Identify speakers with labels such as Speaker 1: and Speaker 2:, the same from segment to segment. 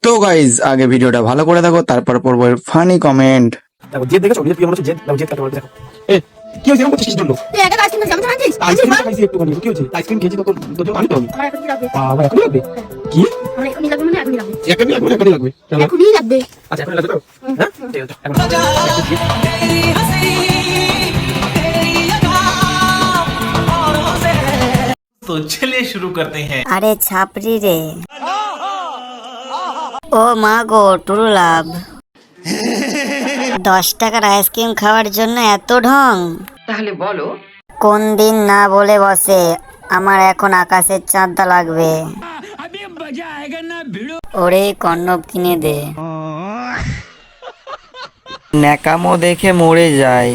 Speaker 1: তো গাইজ আগে ভিডিওটা ভালো করে দেখো, তারপর পড়বো ফানি কমেন্ট।
Speaker 2: দেখো জেদ দেখেছো জেদ কি মনে হচ্ছে জেদ দেখো জেদ কাকে বলে দেখো এ কি হইছে এরকম করছিস জন্য
Speaker 3: তুই একা আইসক্রিম খাবি জানিস?
Speaker 2: আইসক্রিম খাইছি একটু কি হইছে আইসক্রিম খেয়েছি তো তোর জন্য আমি তো
Speaker 3: আমার এখনই লাগবে।
Speaker 2: বাবা এখন লাগবে কি
Speaker 3: আমার এখনই লাগবে মানে এখনই লাগবে।
Speaker 2: এখনই লাগবে এখনই লাগবে চলো
Speaker 3: এখনই লাগবে।
Speaker 2: আচ্ছা এখন লাগবে তো হ্যাঁ ঠিক আছে এখন
Speaker 4: तो चलिए शुरू करते हैं।
Speaker 5: আরে ছাপরি রে, ও মা গো টুরু লাভ, 10 টাকার আইসক্রিম খাওয়ার জন্য এত ঢং।
Speaker 6: তাহলে বলো
Speaker 5: কোন দিন না বলে বসে আমার এখন আকাশের চাঁদটা লাগবে। ওরে কর্ণব কিনে দে।
Speaker 7: ন্যাকামো দেখে মরে যায়।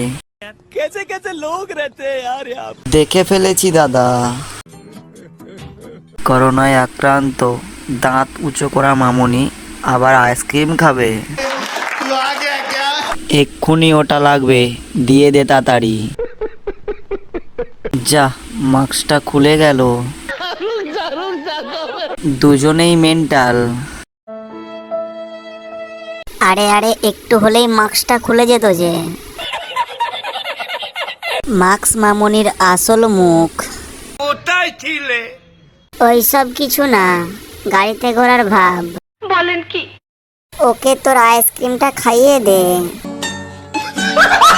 Speaker 7: দেখে ফেলেছি দাদা, করোনায় আক্রান্ত দাঁত উঁচু করা মামুনি আবার আইসক্রিম খাবে। এক্ষুনি ওটা লাগবে, দিয়ে দে তাড়াতাড়ি। যা মাস্কটা খুলে গেল, দুজনেই মেন্টাল।
Speaker 5: আরে আরে একটু হলেই মাস্কটা খুলে যেত যে। মাস্ক মামুনির আসল মুখ। ওইসব কিছু না, গাড়িতে ঘোরার ভাব।
Speaker 3: বলেন কি?
Speaker 5: ওকে তোর আইসক্রিমটা খাইয়ে দে।